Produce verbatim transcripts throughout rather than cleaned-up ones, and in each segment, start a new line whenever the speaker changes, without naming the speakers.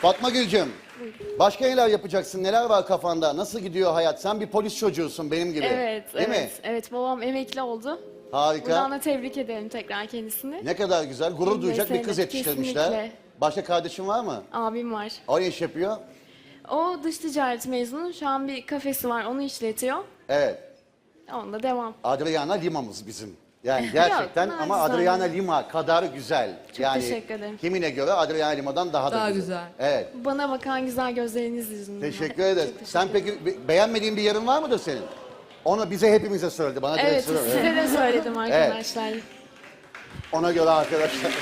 Fatma Gülcüm, başka neler yapacaksın? Neler var kafanda? Nasıl gidiyor hayat? Sen bir polis çocuğusun benim gibi.
Evet,
Değil
evet.
mi?
Evet, babam emekli oldu.
Harika.
Buradan da tebrik ederim tekrar kendisini.
Ne kadar güzel. Gurur
Benim
duyacak bir
mesleğimde
kız yetiştirmişler.
kesinlikle.
Başka kardeşin var mı?
Abim var.
O ne iş yapıyor?
O dış ticaret mezunu. Şu an bir kafesi var, onu işletiyor.
Evet.
Onunla devam.
Adriana Lima'mız bizim. Yani gerçekten
Yok,
ama
nacizane.
Adriana Lima kadar güzel.
Çok
yani
teşekkür ederim.
Kimine göre Adriana Lima'dan daha,
Daha
da güzel.
güzel.
Evet.
Bana bakan güzel gözleriniz yüzünden.
Teşekkür ederiz.
Çok teşekkür
Sen peki be- beğenmediğin bir yerin var mıdır senin? Onu bize hepimize söyledi. Bana direkt
Evet,
söylüyor.
size
Evet.
de söyledim arkadaşlar.
Ona göre arkadaşlar.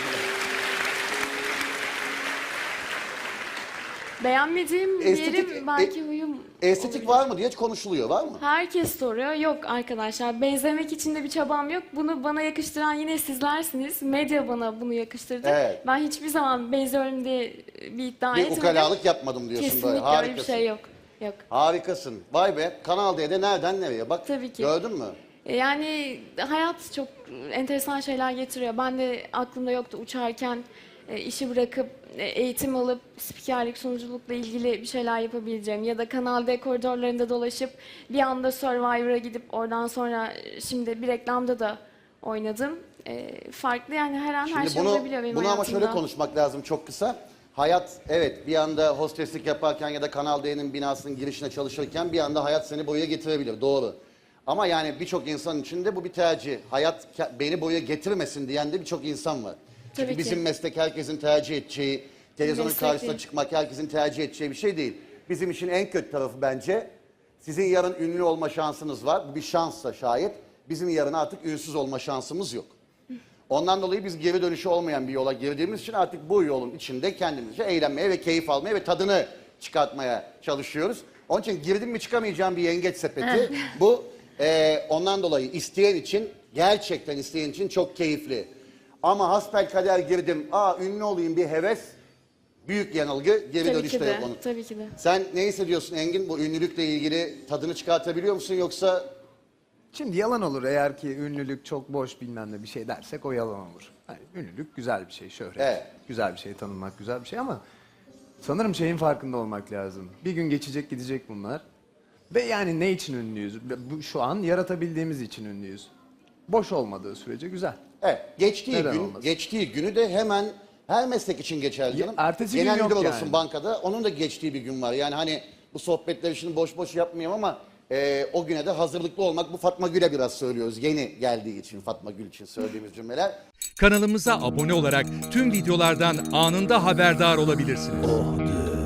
Beğenmediğim bir
Estetik-
yerim belki
e-
huyum
Estetik
olabilir.
var mı diye konuşuluyor. Var mı?
Herkes soruyor. Yok arkadaşlar, benzemek için de bir çabam yok. Bunu bana yakıştıran yine sizlersiniz. Medya bana bunu yakıştırdı.
Evet.
Ben hiçbir zaman benziyorum diye bir iddia
Bir
etmedim.
ukalalık yapmadım diyorsun
Kesinlikle
böyle.
öyle bir
Harikasın.
şey yok. Yok.
Harikasın. Vay be. Kanal D'de nereden nereye? Bak
Tabii ki.
gördün mü?
E, Yani hayat çok enteresan şeyler getiriyor. Ben de aklımda yoktu uçarken e, işi bırakıp e, eğitim alıp spikerlik, sunuculukla ilgili bir şeyler yapabileceğim. Ya da Kanal D koridorlarında dolaşıp bir anda Survivor'a gidip oradan sonra e, şimdi bir reklamda da oynadım. E, farklı yani her an her
Şimdi
şey
bunu,
olabiliyor benim
bunu ama
hayatımda.
şöyle konuşmak lazım çok kısa. Hayat evet bir anda hosteslik yaparken ya da Kanal D'nin binasının girişine çalışırken bir anda hayat seni buraya getirebilir. Doğru. Ama yani birçok insan için de bu bir tercih. Hayat ke- beni buraya getirmesin diyen de birçok insan var. Çünkü
Tabii ki.
bizim meslek herkesin tercih edeceği, televizyonun
Meslek
karşısına
değil.
çıkmak herkesin tercih edeceği bir şey değil. Bizim için en kötü tarafı bence sizin yarın ünlü olma şansınız var. Bu bir şanssa şayet. Bizim yarın artık ünsüz olma şansımız yok. Ondan dolayı biz geri dönüşü olmayan bir yola girdiğimiz için artık bu yolun içinde kendimizce eğlenmeye ve keyif almaya ve tadını çıkartmaya çalışıyoruz. Onun için girdim mi çıkamayacağım bir yengeç sepeti. Bu e, ondan dolayı isteyen için, gerçekten isteyen için çok keyifli. Ama hasbelkader girdim, aa ünlü olayım bir heves, büyük yanılgı, geri
Tabii
dönüşte
ki
yok
de,
onun.
tabii ki de.
Sen ne hissediyorsun Engin? Bu ünlülükle ilgili tadını çıkartabiliyor musun yoksa...
Şimdi yalan olur eğer ki ünlülük çok boş bilmem ne bir şey dersek o yalan olur. Yani ünlülük güzel bir şey, şöhret.
Evet.
Güzel bir şey, tanınmak güzel bir şey ama sanırım şeyin farkında olmak lazım. Bir gün geçecek gidecek bunlar. Ve yani ne için ünlüyüz? Bu, şu an yaratabildiğimiz için ünlüyüz. Boş olmadığı sürece güzel.
Evet, geçtiği
Neden
gün,
olmasın?
geçtiği günü de hemen her meslek için geçerli
Ya,
canım.
ertesi gün
Genel
yok
müdür olursun
yani.
bankada, onun da geçtiği bir gün var. Yani hani bu sohbetleri şimdi boş boş yapmayayım ama e, o güne de hazırlıklı olmak, bu Fatma Gül'e biraz söylüyoruz. Yeni geldiği için Fatma Gül için söylediğimiz cümleler.
Kanalımıza abone olarak tüm videolardan anında haberdar olabilirsiniz.